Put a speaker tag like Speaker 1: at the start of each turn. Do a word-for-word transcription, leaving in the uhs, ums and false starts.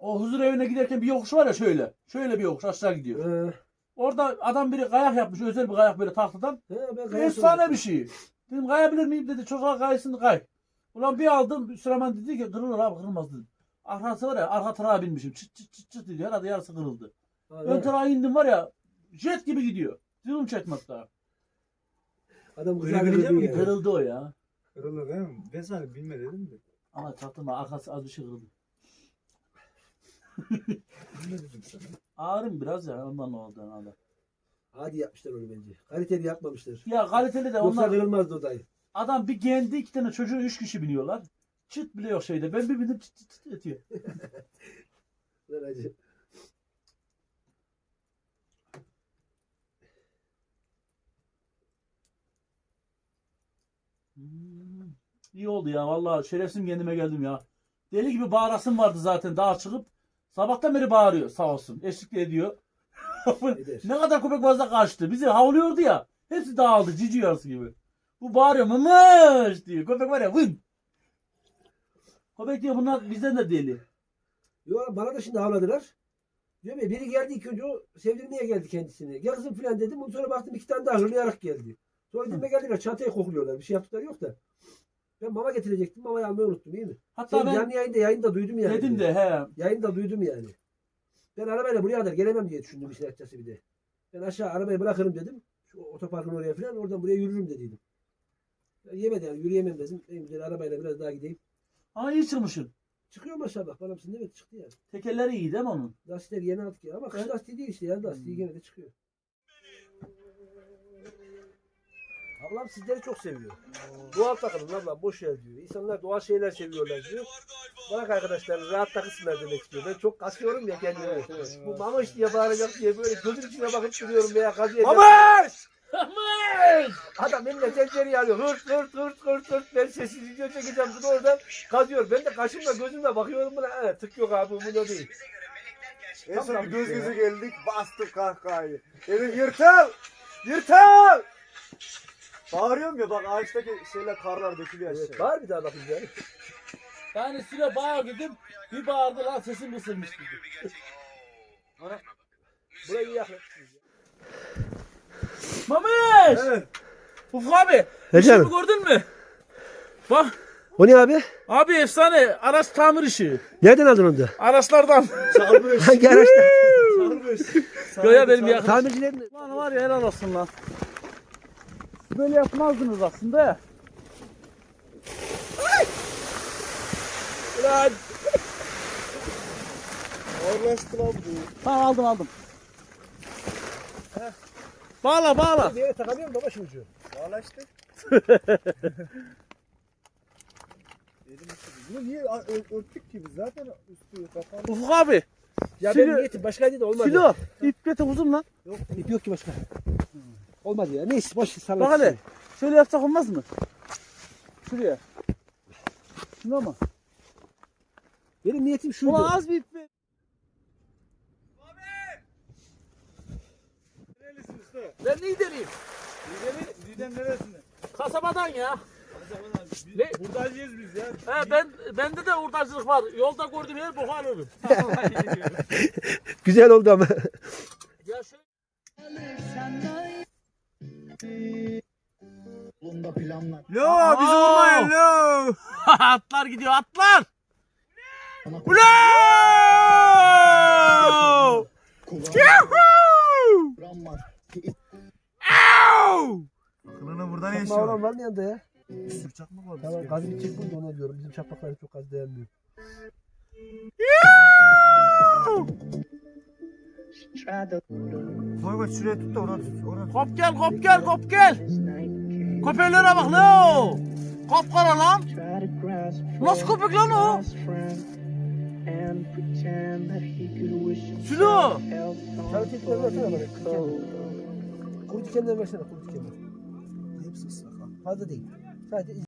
Speaker 1: O huzur evine giderken bir yokuş var ya şöyle. Şöyle bir yokuş aşağı gidiyor.
Speaker 2: Ee,
Speaker 1: Orada adam biri kayak yapmış. Özel bir kayak böyle tahtadan.
Speaker 2: he, ben kaya
Speaker 1: Efsane
Speaker 2: sordum.
Speaker 1: bir şey. Dedim kayabilir miyim dedi. Çocuğa kaysın kay. Ulan bir aldım. Süleyman dedi ki kırılır abi kırılmaz dedim. Arkası var ya arka tarağa binmişim. Çıt çıt çıt çıt dedi. Herhalde yarısı kırıldı.
Speaker 2: Ha,
Speaker 1: Ön
Speaker 2: he.
Speaker 1: tarağa indim var ya jet gibi gidiyor. Dilim çekmek daha.
Speaker 2: Adam
Speaker 3: Öyle
Speaker 2: kıza
Speaker 3: bilecek
Speaker 2: kırıldı
Speaker 3: mi?
Speaker 2: ya.
Speaker 1: Kırıldı o ya.
Speaker 3: Kırılır değil mi? Ben sana bilme dedim de.
Speaker 1: Ama çaktırma arkası az bir şey kırıldı.
Speaker 3: Ne dedim sana?
Speaker 1: Ağrım biraz ya ondan oldu herhalde.
Speaker 2: Hadi yapmışlar onu bence. Kaliteli yapmamışlar.
Speaker 1: Ya kaliteli de
Speaker 2: Yoksa
Speaker 1: onlar
Speaker 2: kırılmazdı o dayı.
Speaker 1: adam bir geldi iki tane çocuğu üç kişi biniyorlar. Çıt bile yok şeyde. Ben bir bindim çıt çıt çıt ötüyor.
Speaker 2: Lan acı.
Speaker 1: Hmm, İyi oldu ya vallahi şerefsim kendime geldim ya. Deli gibi bağırasım vardı zaten daha çıkıp. Sabahtan beri bağırıyor sağ olsun. Eşlik de ediyor.
Speaker 2: Eder.
Speaker 1: Ne kadar köpek fazla kaçtı. Bizi havlıyordu ya. Hepsi dağıldı cici yarısı gibi. Bu bağırıyor mımış diyor. Köpek var ya vın. Köpek diyor bunlar bizden de deli.
Speaker 2: Yo, bana da şimdi havladılar. Diyorum ya biri geldi ilk önce o sevdirmeye geldi kendisini. Gel kızım filan dedim. Ondan sonra baktım iki tane daha hırlayarak geldi. Sonra dedim geldiler çantayı kokluyorlar. Bir şey yaptıkları yok da. Ben mama getirecektim. Mamayı almayı unuttum iyi mi?
Speaker 1: Hatta
Speaker 2: Sen
Speaker 1: ben
Speaker 2: canlı yayında yayında duydum yani.
Speaker 1: dedim de he.
Speaker 2: Yayında duydum yani. Ben arabayla buraya kadar gelemem diye düşündüm işin açıkçası bir de. Ben aşağı arabayı bırakırım dedim. Şu otoparkın oraya falan oradan buraya yürürüm dediydim. Ya yemedi yani yürüyemem dedim. En güzel arabayla biraz daha gideyim.
Speaker 1: Ama iyi çıkmışsın.
Speaker 2: Çıkıyor maşallah. Bana mısın evet çıktı yani.
Speaker 1: Tekerleri iyi değil mi onun?
Speaker 2: Lastikleri yeni aldık ya. Ama kış
Speaker 1: Evet.
Speaker 2: lastiği değil işte ya. Lastiği gene de çıkıyor. Ablam sizleri çok seviyor. Doğal takılın ablam boş ver diyor. İnsanlar doğal şeyler seviyorlar diyor. Bırak arkadaşlar rahat takılsınlar demek istiyor. Ben çok kasıyorum ya kendimi.
Speaker 1: Evet, evet.
Speaker 2: Bu mamış diye bağıracak diye böyle gözüm içine bakıp duruyorum veya kazıyacak.
Speaker 1: Mamış!
Speaker 2: Adam eline tencere alıyor. Hırt hırt hırt hırt hırt. Ben sessiz video çekeceğim bunu oradan kazıyor. Ben de kaşımla gözümle bakıyorum buna. Evet, tık yok abi bu da değil.
Speaker 3: En
Speaker 2: Tam
Speaker 3: son bir
Speaker 2: tam
Speaker 3: göz
Speaker 2: işte
Speaker 3: göze
Speaker 2: ya.
Speaker 3: geldik bastık kahkahayı. Dedim yırtıl! Yırtıl! Bağırıyorum ya bak ağaçtaki şeyler karlar dökülüyor
Speaker 2: Evet,
Speaker 3: aşağı.
Speaker 2: var bir daha bakın yani.
Speaker 1: Yani süre bağır dedim. Bir bağırdı lan sesim kısılmış dedi.
Speaker 2: Ana. Burayı iyi yakın.
Speaker 1: Mamış!
Speaker 3: Evet.
Speaker 1: Ufuk abi.
Speaker 2: He
Speaker 1: işimi
Speaker 2: canım.
Speaker 1: gördün mü? Bak.
Speaker 2: O ne abi?
Speaker 1: Abi efsane. Araç tamir işi.
Speaker 2: Nereden aldın onu da?
Speaker 1: Araçlardan.
Speaker 3: Çalmış.
Speaker 2: Hangi araçta?
Speaker 3: Çalmış.
Speaker 1: Göya benim yakın.
Speaker 2: Tamircilerin.
Speaker 1: Lan var ya helal olsun lan. Böyle yapmazdınız aslında ya. Ulan.
Speaker 3: Ağırlaştı lan bu.
Speaker 1: Tamam aldım aldım. Bağla bağla.
Speaker 2: Bir yere takamıyorum baba şu ucu.
Speaker 3: Ağırlaştı. Elim üşüdü. Bunu niye ö- ö- örttük ki biz zaten üstü kapalı.
Speaker 1: Ufuk abi.
Speaker 2: Ya
Speaker 1: Silo-
Speaker 2: benim niyetim başkaydı da olmadı.
Speaker 1: Silo. İp getir uzun lan.
Speaker 2: Yok, ip yok ki başka. Olmadı ya. Neyse boş salak.
Speaker 1: Bak hele. Şöyle yapsak olmaz mı? Şuraya. Şuna mı?
Speaker 2: Benim niyetim şuydu.
Speaker 1: Ulan az bir ip ver.
Speaker 3: Nerelisin usta?
Speaker 1: Ben Niğdeliyim.
Speaker 3: Didem, Didem neresinde?
Speaker 1: Kasabadan ya. Ne?
Speaker 3: Buradayız biz ya.
Speaker 1: He ben bende de hurdacılık var. Yolda gördüğüm her boku alırım.
Speaker 2: Güzel oldu ama.
Speaker 1: Ya şöyle.
Speaker 4: Bunda planlar.
Speaker 3: Lo bizi vurmayın lo.
Speaker 1: Atlar gidiyor atlar.
Speaker 4: Ana
Speaker 1: Ulan!
Speaker 4: kuram var.
Speaker 3: Kılına buradan
Speaker 2: Çakma
Speaker 3: yaşıyor.
Speaker 2: olan var mı yanında ya?
Speaker 3: Bir sürü çakmak var.
Speaker 2: Tamam gaz bitecek bunu da ona diyorum. Bizim çakmaklar çok gaz dayanmıyor.
Speaker 3: Koy koy şuraya tut da oraya tut. Oraya tut.
Speaker 1: Kop gel kop gel kop gel. Köpeklere bak lo. Kopkara lan. Nasıl köpek lan o? Sülo.
Speaker 2: Sarı tekrar versene bana. Kuru dikenler versene kuru dikenler.
Speaker 3: Hepsi ıslak ha.
Speaker 2: Fazla değil. Sadece